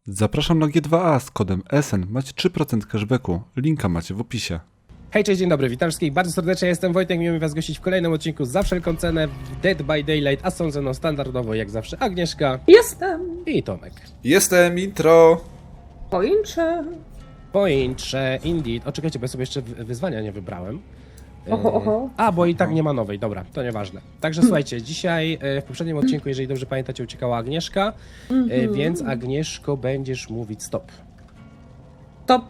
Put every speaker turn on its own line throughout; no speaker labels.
Zapraszam na G2A z kodem SN. Macie 3% cashbacku. Linka macie w opisie.
Hej, cześć, dzień dobry, witam wszystkich bardzo serdecznie, jestem Wojtek, miło mi was gościć w kolejnym odcinku za wszelką cenę w Dead by Daylight, a są ze mną standardowo jak zawsze Agnieszka
Jestem.
i Tomek.
Jestem intro.
Poinczę.
Pointrze, indeed. O, czekajcie, bo ja sobie jeszcze wyzwania nie wybrałem.
Oho.
A, bo i tak nie ma nowej, dobra, to nieważne. Także słuchajcie, dzisiaj w poprzednim odcinku, jeżeli dobrze pamiętacie, uciekała Agnieszka, więc Agnieszko będziesz mówić stop.
Top.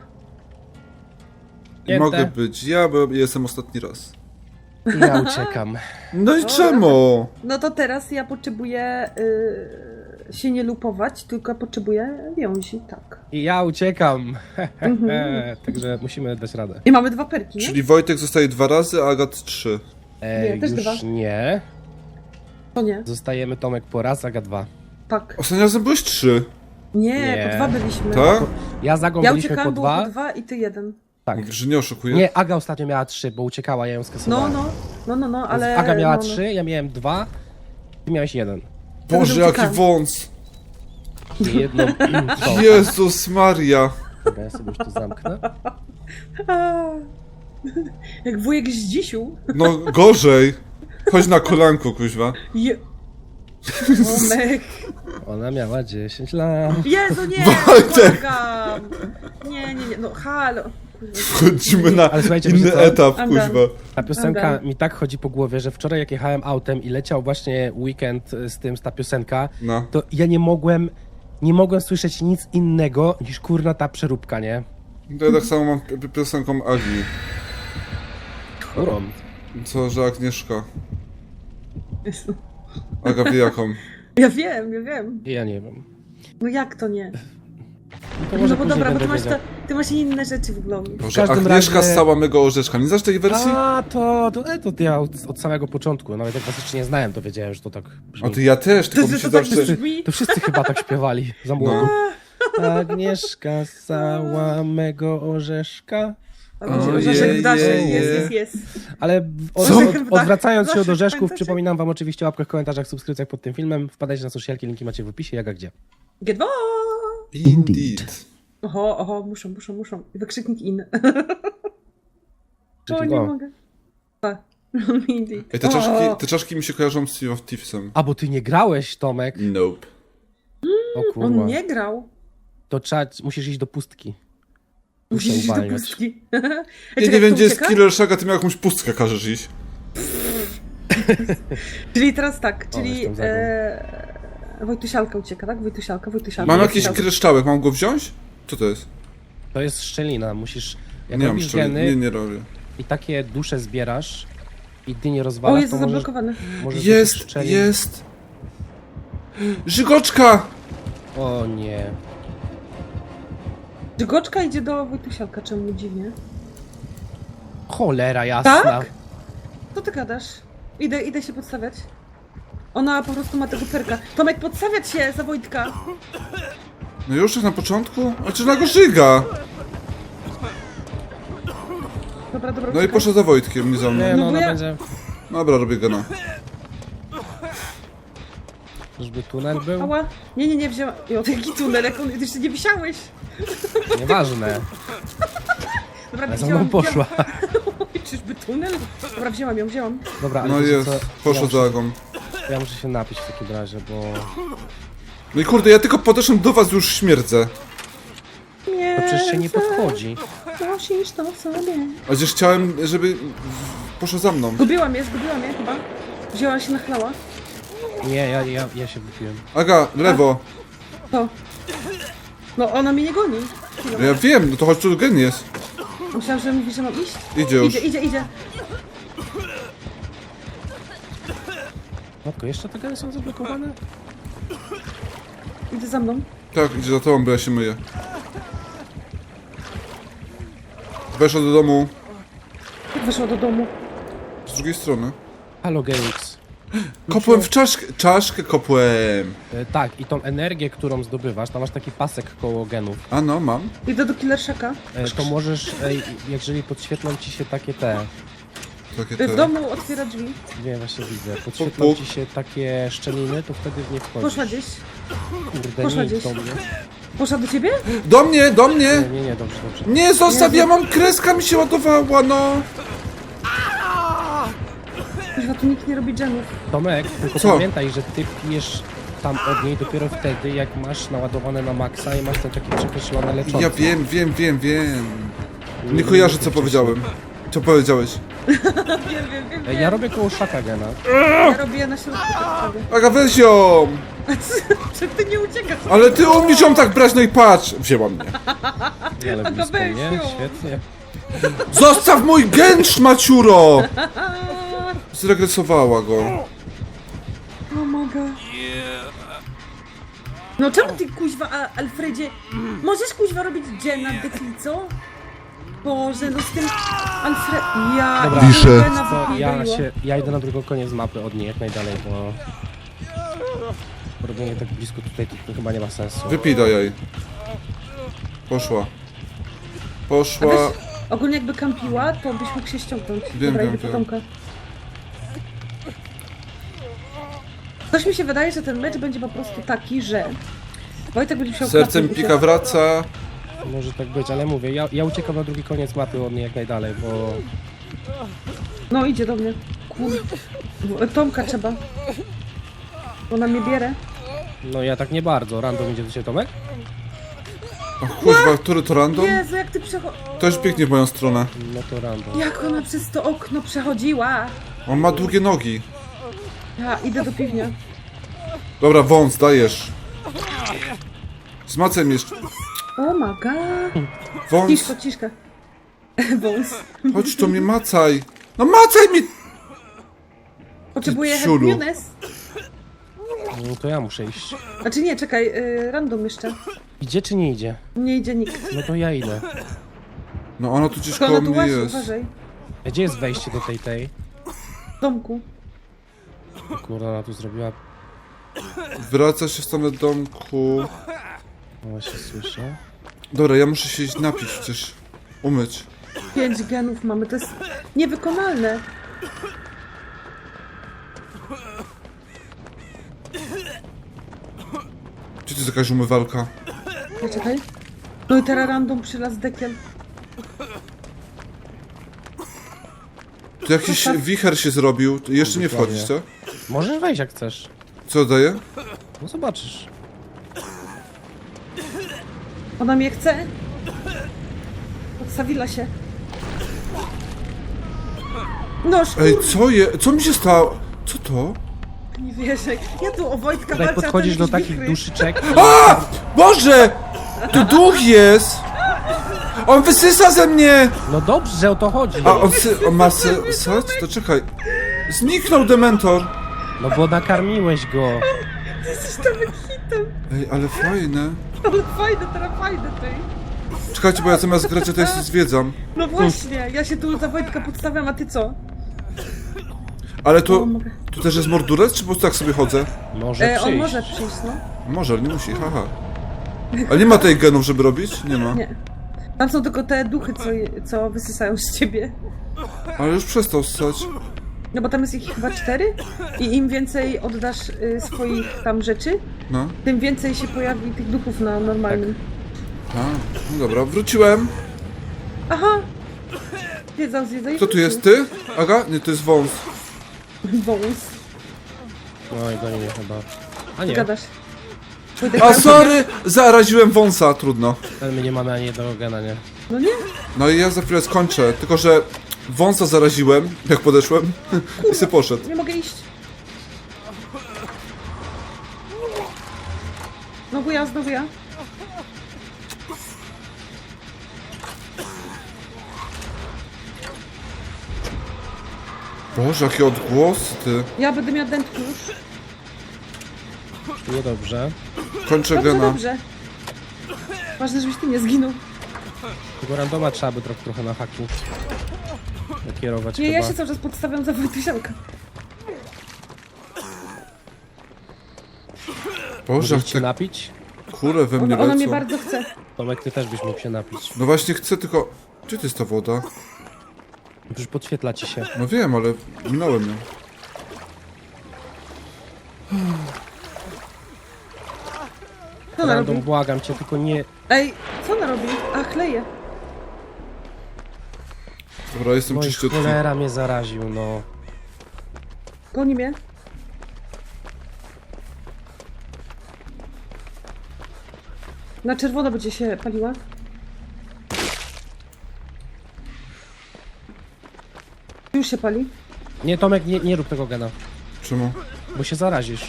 Mogę być ja, bo jestem ostatni raz.
I ja uciekam.
No i czemu?
No to teraz ja potrzebuję się nie lupować, tylko potrzebuję wiązi, tak.
I ja uciekam. Także musimy dać radę.
I mamy dwa perki, nie?
Czyli Wojtek zostaje 2 razy, a Agat 3.
Nie, też
już
dwa.
nie.
To nie,
Zostajemy Tomek po raz, Aga 2.
tak.
Ostatnim razem byłeś 3.
Nie,
Nie.
po dwa byliśmy.
Tak?
Ja z Agą
Ja
byliśmy
uciekałam,
po
było
2.
po dwa i ty jeden.
Tak.
Mówisz, że nie oszukuję?
Nie, Aga ostatnio miała 3, bo uciekała, ja ją skasowałem.
No, ale...
Aga miała
no.
3, ja miałem 2, ty miałeś 1.
Boże,
Dobrze
jaki
uciekałem.
wąs.
Jedną to.
Jezus Maria.
Dobra, ja sobie już to zamknę.
A, jak wujek z dzisiu.
No gorzej. Chodź na kolanko, kuźwa.
Tomek.
Ona miała 10 lat.
Jezu, nie!
Wojtek!
Błagam. Nie, no halo.
Wchodzimy na
Ale słuchajcie,
inny
wiecie co?
etap,
I'm
kuźwa.
done.
Ta piosenka
Dobra.
mi tak chodzi po głowie, że wczoraj jak jechałem autem i leciał właśnie weekend ta piosenka,
No.
to ja nie mogłem słyszeć nic innego niż kurna ta przeróbka, nie?
To ja tak samo mam piosenką Agi.
Którą?
Co, że Agnieszka. Aga wie jaką.
Ja wiem.
Ja nie wiem.
No jak to nie?
To
No bo
później
dobra, bo
będę
ty
wiedział.
masz inne rzeczy w głowie.
Boże,
każdym
Agnieszka
razie-
z całego orzeszka. Nie znasz tej wersji?
A, to ja od samego początku, nawet jak was jeszcze nie znałem, to wiedziałem, że to tak brzmi.
O, to ja też, tylko mi się
tak
zawsze...
brzmi?
To wszyscy chyba tak śpiewali za młodu. Agnieszka z całego orzeszka.
Orzeszek w daszy, jest.
Ale
Orzechem w dach-
odwracając się od
Zawsze
orzeszków,
pamiętacie?
przypominam wam oczywiście o łapkach, komentarzach, subskrypcjach pod tym filmem. Wpadajcie na socialki, linki macie w opisie, jak a gdzie.
G2!
Indeed.
Oho, muszą. I wykrzyknik in. O,
Czyli
nie
o.
mogę. A. Indeed.
Ej, te czaszki mi się kojarzą z Sea of Thievesem.
A, bo ty nie grałeś, Tomek.
Nope.
O kurwa.
On nie grał.
To musisz iść do pustki.
Musisz iść do
uwalniać.
pustki.
Ja nie wiem, gdzie jest Killer Shaga, ty mi jakąś pustkę każesz iść.
Czyli teraz tak,
O,
czyli
jestem za
Wojtusialka ucieka, tak? Wojtusialka.
Mam jakiś
Wojtusialka.
kryształek, mam go wziąć? Co to jest?
To jest szczelina, musisz... Jak
Nie mam
robisz
szczeli.
geny
Nie robię.
i takie dusze zbierasz i ty nie
O,
rozwalasz,
jest
to możesz...
zablokowany.
możesz do tych
Jest,
szczelin-
jest! Żygoczka!
O nie.
Żygoczka idzie do Wojtusialka, czemu dziwnie?
Cholera jasna.
Tak? Co ty gadasz? Idę się podstawiać. Ona po prostu ma tego perka. Tomek, podstawiać się za Wojtka!
No już tak na początku? A czy na go żyga?
Dobra,
No i
uciekaj.
poszedł za Wojtkiem, nie za
Nie,
mną.
no
bo
ona
ja-
będzie...
Dobra, robię gena.
Żeby tunel był?
Ała. Nie, wzięłam. Jo, jaki tunel, jak on... Ty jeszcze nie wisiałeś.
Nieważne.
Dobra,
Ale za mną poszła.
Oj, czyżby tunel? Dobra, wzięłam ją.
Dobra, ale
No
wiecie
jest,
co?
poszło za Agą.
Ja muszę się napić w takim razie, bo...
No i kurde, ja tylko podeszłem do was, już śmierdzę.
Nie.
To przecież się nie podchodzi.
Nosisz to w sobie.
A gdzieś chciałem, żeby... poszło za mną.
Zgubiłam je chyba. Wzięła się, nachlała.
Nie, ja się wypiłem.
Aga, lewo.
To. No, ona mnie nie goni.
No ja wiem, no to chodź tu gen jest.
Myślałam, że mówi, że mam iść.
Idzie już.
Idzie.
Matko, jeszcze te geny są zablokowane?
Idę za mną.
Tak, idzie za tobą, bo ja się myję. Weszła do domu
Jak weszła do domu?
z drugiej strony.
Halo Genix.
Kopłem w czaszkę kopłem.
Tak, i tą energię, którą zdobywasz, tam masz taki pasek koło genów.
A no, mam.
Idę do Killerszaka.
To możesz, jeżeli podświetlą ci się takie
Takie
W
te...
domu otwiera drzwi.
nie, właśnie widzę, podświetlą
puk.
ci się takie szczeliny, to wtedy w nie wchodzisz.
Poszła gdzieś.
Kurde,
poszła
nie idź
gdzieś.
do mnie.
Poszła do ciebie?
Do mnie, do mnie!
Nie, dobrze, dobrze.
Nie, zostaw, ja mam kreska, mi się ładowała, no!
Chyba tu nikt nie robi dżemów.
Tomek, tylko
Co?
pamiętaj, że ty pijesz tam od niej dopiero wtedy, jak masz naładowane na maksa i masz ten taki przekreślony leczący.
Ja wiem. Nie kojarzę, co powiedziałem. Co powiedziałeś?
Wiem.
Ja robię koło szaka gena.
Ja robię na środku tak prawie.
Aga, weź ją!
Czy ty nie uciekasz?
Ale ty umiesz ją tak brać, no i patrz! Wzięła mnie.
Ale blisko
weź
mnie,
ją.
świetnie.
Zostaw mój gęcz, maciuro! Zregresowała go.
O mogę. No czemu ty kuźwa, Alfredzie? Możesz kuźwa robić dżem na deklico? Boże, no z tym Alfred... Ja...
Dobra.
i
Piszę.
dżema
To
wypierdoliło.
ja idę na drugą koniec mapy od niej jak najdalej, bo robienie tak blisko tutaj to chyba nie ma sensu.
Wypij do jej. Poszła. Poszła.
Weź, ogólnie jakby kampiła, to byś mógł się ściągnąć.
Wiem,
Dobra,
wiem,
idę po
wiem.
Tomka. Coś mi się wydaje, że ten mecz będzie po prostu taki, że Wojtek będzie musiał
Sercem
klapnąć
pika wraca.
Może tak być, ale mówię, ja uciekam na drugi koniec mapy od niej jak najdalej, bo
No idzie do mnie. Tomka trzeba. Ona mnie bierze.
no ja tak nie bardzo. Random idzie do ciebie, Tomek?
O kurwa, który to random?
Jezu, jak ty przechodzisz.
To już biegnie w moją stronę.
No to random.
Jak ona przez to okno przechodziła.
On ma długie nogi.
Ja idę do piwnia.
Dobra, wąs, dajesz. Z macem jeszcze.
O my god.
Wąs,
Ciszka. Wąs.
chodź tu mnie macaj. No macaj mi!
Potrzebuję
ciulu.
Hercules.
No to ja muszę iść.
Znaczy nie, czekaj, random jeszcze.
Idzie czy nie idzie?
Nie idzie nikt.
No to ja idę.
No ona tu gdzieś
Tylko
koło
ona tu
mnie
łazi,
jest.
uważaj.
Gdzie jest wejście do tej?
W domku.
O Kurwa, ona tu zrobiła...
Wraca się w stronę domku.
No właśnie słyszę.
Dobra, ja muszę się iść napić przecież. Umyć.
5 genów mamy, to jest niewykonalne.
Gdzie to jest jakaś umywalka?
Czekaj. No i teraz random przylazł dekiel.
Tu jakiś wicher się zrobił. Jeszcze nie
Dokładnie.
wchodzisz, co?
Możesz wejść jak chcesz.
Co daje?
No zobaczysz.
Ona mnie chce. Odstawiła się. No
Ej, co je? Co mi się stało? Co to?
nie wierzę. Ja tu o Wojtka
Tutaj
walczę, a
podchodzisz
ten
do
jakiś
takich
wichry.
duszyczek.
A! Boże! Tu duch jest! On wysysa ze mnie!
No dobrze, o to chodzi.
A on ma sać? To czekaj. Zniknął dementor!
No bo nakarmiłeś go.
Jesteś tam hitem.
Ej, ale fajne.
Ale fajne, teraz fajne tej.
Czekajcie, bo ja zamiast grać, to jest zwiedzam.
No właśnie, ja się tu za Wojtka podstawiam, a ty co?
Ale
O, mogę.
tu też jest mordurec, czy po prostu tak sobie chodzę?
Może przyjść.
On może przyjść, no.
Może, ale nie musi, haha. Ale nie ma tej genów, żeby robić? Nie ma.
Nie. Tam są tylko te duchy, co wysysają z ciebie.
Ale już przestał ssać.
No bo tam jest ich chyba 4 i im więcej oddasz swoich tam rzeczy,
No.
tym więcej się pojawi tych duchów na normalnym.
A, no dobra, wróciłem.
Aha! Zwiedzał i
Kto tu jest, ty? Aga? Nie, to jest wąs.
Wąs.
No i goni mnie chyba. A
Ty
nie,
gadasz. Wojtek,
A
tam-
sorry! Zaraziłem wąsa, trudno.
ale my nie mamy ani jednego gena, nie?
No nie?
No i ja za chwilę skończę, tylko że wąsa zaraziłem, jak podeszłem i se poszedł.
Nie mogę iść. Znowu ja.
Boże, jakie odgłosy, ty.
Ja będę miała dętki już.
Niedobrze.
Kończę
Dobrze,
gena.
dobrze. Ważne, żebyś ty nie zginął.
Tego randoma trzeba by trochę na haki nakierować
Nie,
chyba.
ja się cały czas podstawiam za Wojtysianka.
Boże,
Możesz się
jak te
napić?
kule we mnie
Ona mnie
lecą.
bardzo chce.
Tomek, ty też byś mógł się napić.
No właśnie chcę, tylko... Gdzie to jest ta woda?
Już podświetla ci się.
No wiem, ale minąłem ją.
Co ona
Random,
robi?
błagam cię, tylko nie...
Ej, co ona robi? A, chleje.
Dobra, jestem
Oj,
czyściutki.
cholera mnie zaraził, no.
Goni mnie. Na czerwono będzie się paliła. Już się pali.
Nie, Tomek, nie rób tego gena,
Czemu?
bo się zarazisz.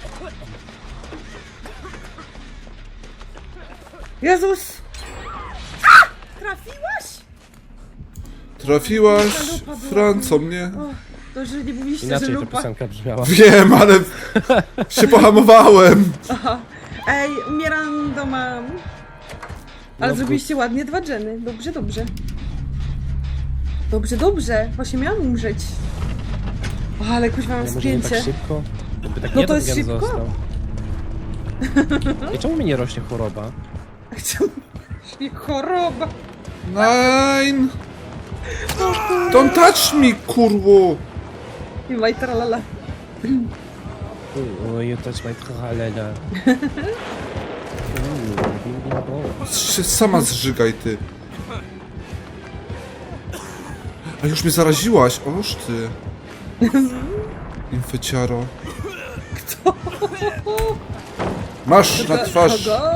Jezus! A! Trafiłaś?
Trafiłaś,
Lupa była.
Franco, mnie.
O, to że nie mówiliście,
Inaczej
że
ta
lupa.
piosenka brzmiała.
Wiem, ale się pohamowałem.
Aha. Ej, umieram do mam. Ale
No,
zrobiliście ładnie 2 dżeny. Dobrze, dobrze. Dobrze, dobrze. Właśnie miałam umrzeć. O, ale kuźwa mam
Może nie tak
spięcie.
szybko? Jakby tak
No
jeden
to jest
gen
szybko.
został. I czemu mi nie rośnie choroba?
Czemu? Choroba.
Nein! Don't touch me, kurwo!
I majtralala.
You touch my tralala.
Się sama zżygaj, ty. A już mnie zaraziłaś, oż ty. Infeciaro. Masz na twarz.
Kogo?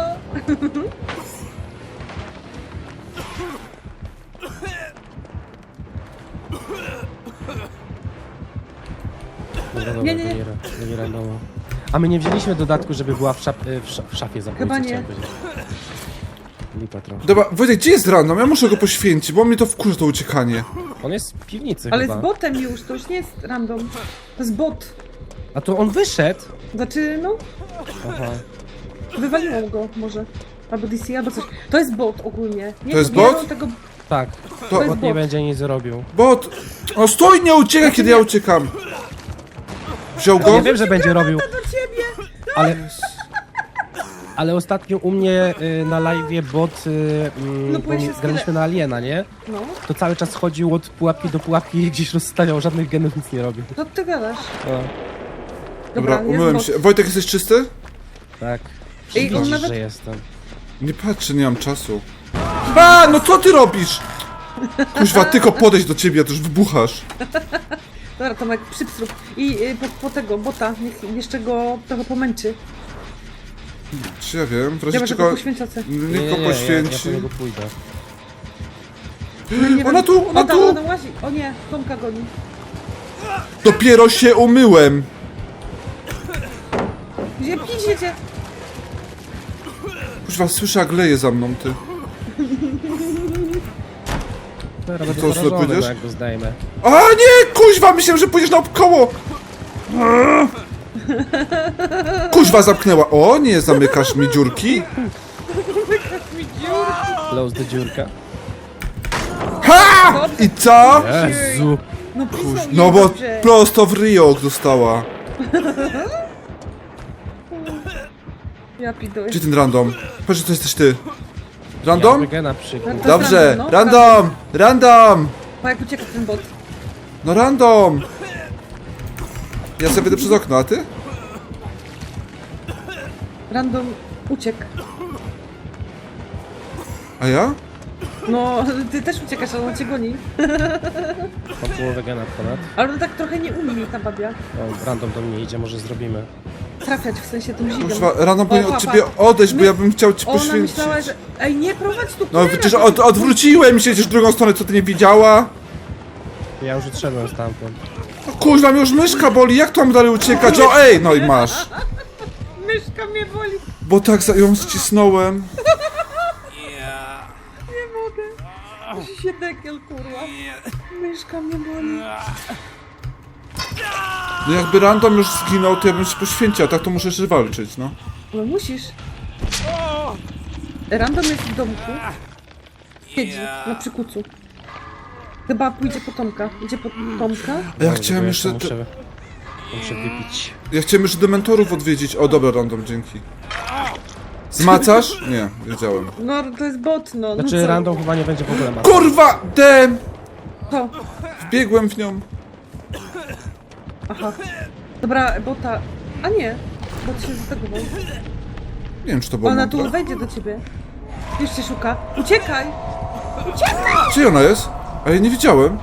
Dobra,
Nie, nie, nie.
nie randomo. A my nie wzięliśmy dodatku, żeby była w szafie zabójcy.
Chyba nie.
chciałem powiedzieć. Lipa trochę.
Dobra, Wojtek, gdzie jest random? Ja muszę go poświęcić, bo mnie to wkurza, to uciekanie.
On jest w piwnicy
Ale
chyba.
z botem już, to już nie jest random. To jest bot.
A to on wyszedł?
Znaczy, no,
Aha.
wywaliło go może. Albo DC, albo coś. To jest bot ogólnie. Nie,
To jest
nie
bot?
robią Tego...
Tak.
To-
Bot nie
bot.
będzie nic robił.
Bot! O, stój, nie uciekaj, kiedy ja uciekam. Wziął go?
Ja wiem, że będzie robił,
Do ciebie!
ale ostatnio u mnie na live'ie bot,
No,
bo
bo ja się
graliśmy na Aliena, nie?
No,
To cały czas chodził od pułapki do pułapki i gdzieś rozstawiał, żadnych genów nic nie robił.
co ty gadasz?
No,
Dobra,
jest
umyłem
bot.
się. Wojtek, jesteś czysty?
tak.
Ej, on
Widzisz,
nawet-
że jestem.
Nie patrzę, nie mam czasu. A, no co ty robisz? Kuźwa, tylko podejść do ciebie, a ty już wybuchasz.
Dobra, Tomek, przypsrób. I po tego bota, niech jeszcze go trochę pomęczy.
Czy ja wiem, w razie
Ja może go
czego...
poświęcacę.
Niech go
ja
poświęci.
po niego pójdę.
No, nie
Ona
wiem.
tu, ona
O, tam,
tu!
ona łazi. O nie, Tomka goni.
Dopiero się umyłem.
Gdzie piszecie?
Kuźwa, słyszę, jak leje za mną, ty.
Dobra, będę
co,
zarażony,
pójdziesz?
no jak go zdejmę.
A nie, kuźwa, myślałem, że pójdziesz naokoło. Kuźwa, zamknęła. O, nie, zamykasz mi dziurki.
Close the dziurka.
Ha! I co?
Jezu!
No pisał
No bo
dobrze.
prosto w ryjo dostała.
Ja piduję.
Gdzie ten random? Patrz, to jesteś ty.
Ja
Random?
na przykład.
To jest
Dobrze,
no.
random! Random!
Pa, jak ucieka ten bot.
No random! Ja sobie idę przez okno, a ty?
Random uciekł.
A ja?
No, ty też uciekasz, ale on cię goni.
Mam połowę gena ponad.
Ale on tak trochę nie umie ta babia.
O, random do mnie idzie, może zrobimy.
Trafiać, w sensie tym zigiem.
Kuźwa, random powinien od
papa.
ciebie odejść, bo
My-
ja bym chciał ci
Ona
poświęcić.
myślała, że... Ej, nie prowadź tu
No
Klera,
przecież
to ty-
odwróciłem się gdzieś w drugą stronę, co ty nie widziała?
Ja już odszedłem stamtąd.
No, kuźwa, mnie już myszka boli, jak to mam dalej uciekać? O ej, no i masz.
Myszka mnie boli.
Bo tak ją ścisnąłem.
Nie mogę. Musi się dekiel, kurwa. Myszka mnie boli.
No jakby random już zginął, to ja bym się poświęcił, a tak to muszę jeszcze walczyć, no.
No musisz. Random jest w domku. Siedzi na przykucu. Chyba pójdzie po Tomka. Idzie po Tomka.
A ja
No,
chciałem
bo
jeszcze...
Muszę wypić.
Ja chciałem jeszcze dementorów odwiedzić. O, dobra, random, dzięki. Zmacasz? Nie, wiedziałem.
No to jest bot, no.
Znaczy
no co?
random chyba nie będzie w ogóle ma.
Kurwa! Dem!
To.
Wbiegłem w nią.
Aha. Dobra, bota. A nie. Bot się zategował.
Nie wiem, czy to było
Ona tu
mądre.
wejdzie do ciebie. Już cię szuka. Uciekaj!
Gdzie ona jest? A ja nie widziałem.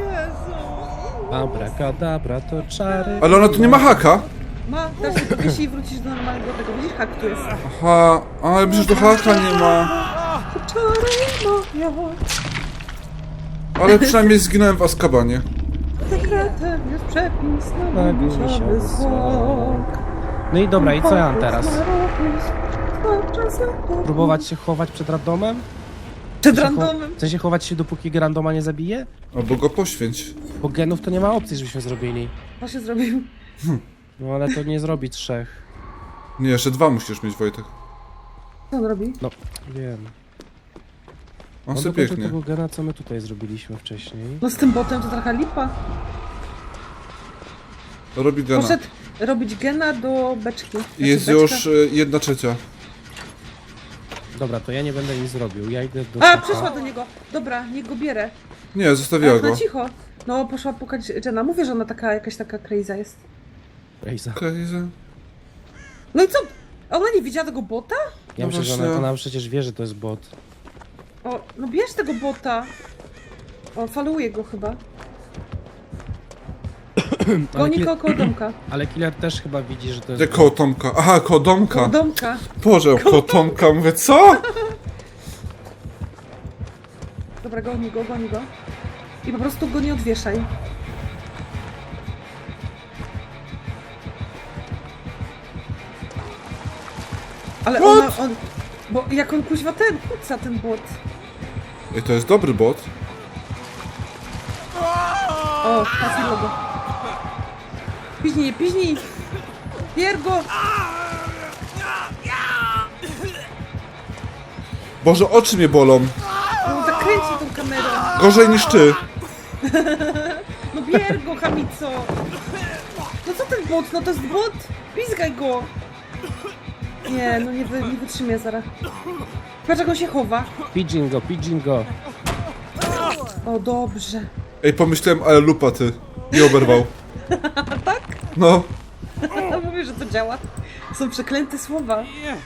Abracadabra to czary.
Ale ona tu nie ma haka.
Ma, teraz się powiesi i wrócisz do normalnego tego. Widzisz, hak tu jest.
Aha, ale przecież do haka nie ma.
Czary moja,
Ale przynajmniej zginąłem w Azkabanie.
sekretem jest przepis na
Na
gumisiowy
gumisiowy
zwłok.
No i dobra, i co ja mam teraz?
Próbować
Próbować się chować przed randomem?
przed randomem.
W sensie chować się, dopóki randoma nie zabije?
Albo go poświęć.
Bo genów to nie ma opcji, żebyśmy zrobili.
Co się zrobił?
No ale to nie zrobi 3.
Nie, jeszcze 2 musisz mieć, Wojtek.
Co on robi?
No, wiem.
On
On
sobie
dokończył
biegnie.
tego gena, co my tutaj zrobiliśmy wcześniej.
No z tym botem to trochę lipa.
Robi gena.
Poszedł robić gena do beczki.
I jest
Znaczy,
już
beczka.
1/3.
Dobra, to ja nie będę nic zrobił. Ja idę do
A,
szefa.
przeszła do niego. Dobra, niech go bierę.
Nie, zostawiła
Ale
go.
na cicho. No, poszła pukać Jenna. Mówię, że ona taka, jakaś taka crazy jest.
Ejza.
Crazy.
No i co? A ona nie widziała tego bota?
Ja
No
myślę, że
właśnie.
ona przecież wie, że to jest bot.
O, no bierz tego bota. O, faluje go chyba. Goni go koło domka.
Ale killer też chyba widzi, że to jest
Gdzie koło Tomka? Aha, koło Domka.
Koło domka.
Boże, koło Tomka. Mówię, co?
Dobra, goni go, goni go. I po prostu go nie odwieszaj. Ale on... Bo jak on kuźwa ten, kuca ten bot.
Ej, to jest dobry bot.
O, trafiło go. Piźnij, piźnij! Bier go!
Boże, oczy mnie bolą.
No tak kręci tą kamerą.
Gorzej niż ty.
No bier go, chamico! No co ten bot? No to jest bot! Pizgaj go! Nie, no nie wytrzymie zaraz. Patrz jak on się chowa.
Pidgin go, pidgin go.
O, dobrze.
Ej, pomyślałem, ale lupa ty. I oberwał.
Tak?
No.
Mówię, że to działa. Są przeklęte słowa.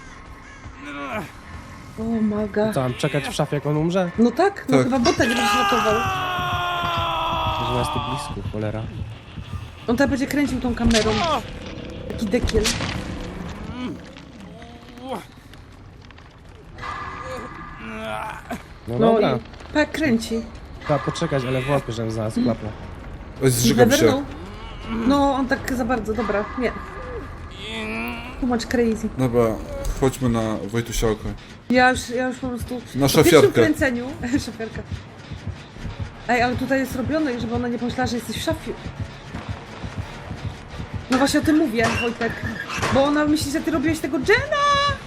O, maga.
Co, mam czekać w szafie, jak on umrze?
No tak, no
Tak.
chyba bota nie będziesz ratował.
Że nas tu blisko, cholera.
On tak będzie kręcił tą kamerą. Taki dekiel.
No
No
dobra,
i tak kręci.
trzeba poczekać, ale wątpię, żebym znalazł klapę.
Oj, zżygam
Never
się.
know. No, on tak za bardzo, dobra, nie. Too much crazy.
Dobra, chodźmy na Wojtusiałkę.
Ja już po prostu...
Na
po pierwszym
szafiarkę.
kręceniu... Szafiarka. Ej, ale tutaj jest robione, żeby ona nie pomyślała, że jesteś w szafie. No właśnie o tym mówię, Wojtek. Bo ona myśli, że ty robiłeś tego Jenna!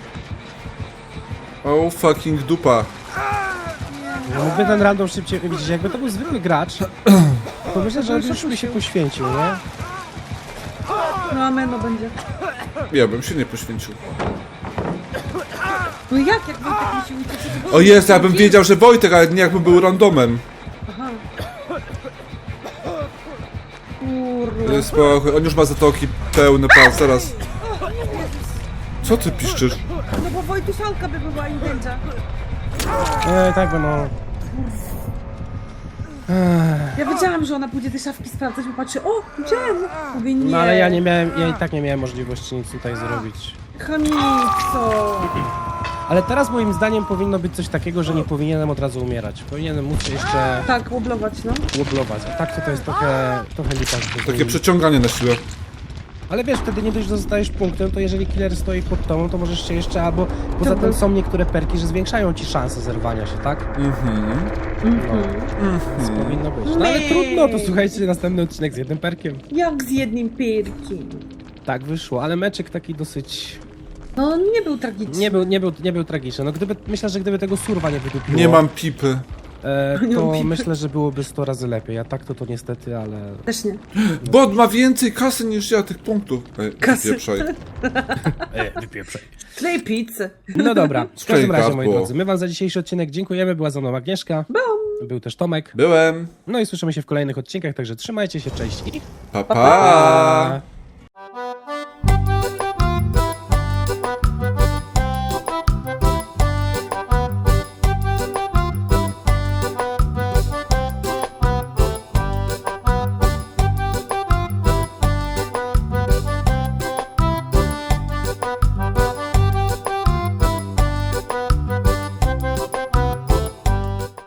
Oh fucking dupa.
No, mógłby ten random szybciej widzieć, jakby to był zwykły gracz, to myślę, że już by się poświęcił, nie?
No ameno będzie.
Ja bym się nie poświęcił.
No jak Wojtek musi uciec?
O jest, ja bym wiedział, że Wojtek, ale nie jakbym był randomem.
Aha. Kurwa.
Spokój, on już ma zatoki pełne pas, zaraz. Co ty piszczysz?
No bo Wojtusialka by była im będzie.
Tak, bo no...
Ja wiedziałam, że ona pójdzie te szafki sprawdzać, bo patrzy, o, Jen! Mówię, nie.
No ale ja i tak nie miałem możliwości nic tutaj zrobić.
Chamico.
Ale teraz moim zdaniem powinno być coś takiego, że nie powinienem od razu umierać. Powinienem móc się jeszcze
Tak, łoblować, no.
łoblować. A tak to jest trochę lipa. że
Takie przeciąganie na siłę.
Ale wiesz, wtedy nie dość, że dostajesz punktem, to jeżeli killer stoi pod tobą, to możesz się jeszcze albo... Poza tym są niektóre perki, że zwiększają ci szanse zerwania się, tak? Więc powinno być. No ale trudno, to słuchajcie, następny odcinek z jednym perkiem.
Jak z jednym pyrkiem.
Tak wyszło, ale meczek taki dosyć...
No, nie był tragiczny.
Nie był tragiczny. No myślę, że gdyby tego surwa nie wydupiło...
Nie mam pipy.
Nie mam
to
pipy.
myślę, że byłoby 100 razy lepiej, a tak to niestety, ale...
Też nie.
Bot ma więcej kasy niż ja tych punktów. Ej,
Kasy.
wypieprzaj.
Wypieprzaj.
Klej pizzę.
No dobra, w każdym razie, moi
Gardło.
drodzy, my wam za dzisiejszy odcinek dziękujemy, była ze mną Agnieszka, był też Tomek,
Byłem.
no i słyszymy się w kolejnych odcinkach, także trzymajcie się, cześć i
Pa,
pa!
pa.